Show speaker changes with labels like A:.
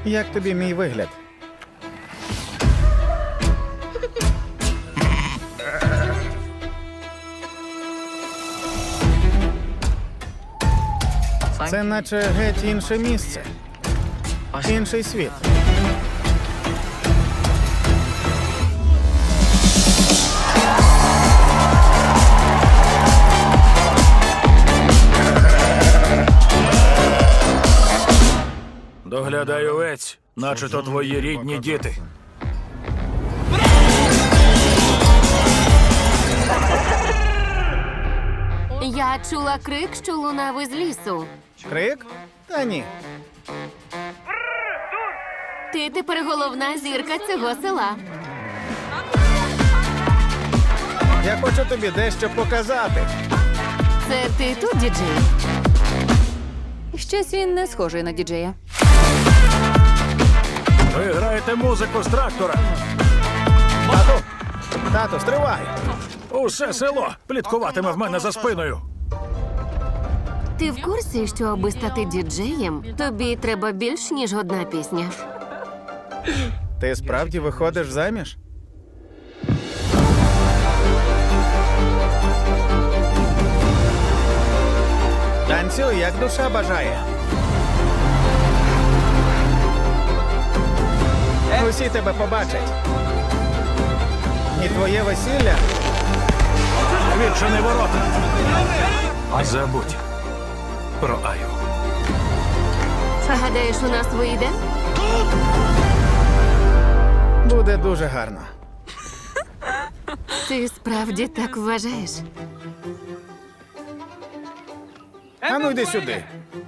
A: Як тобі мій вигляд? Це наче геть інше місце. Інший світ.
B: Доглядай овець, наче то твої рідні діти.
C: Я чула крик, що лунав із лісу.
A: Крик? Та ні.
C: Ти тепер головна зірка цього села.
A: Я хочу тобі дещо показати.
C: Це ти тут, діджей?
D: Щось він не схожий на діджея.
B: Ви граєте музику з трактора.
A: Тату, стривай!
B: Усе село пліткуватиме в мене за спиною.
C: Ти в курсі, що аби стати діджеєм, тобі треба більш, ніж одна пісня?
A: Ти справді виходиш заміж? Танцюй, як душа бажає. Усі тебе побачать. І твоє весілля.
B: Відчини ворота. Забудь про Аю.
C: Гадаєш, у нас вийде?
A: Буде дуже гарно.
C: Ти справді так вважаєш?
A: А ну йди сюди.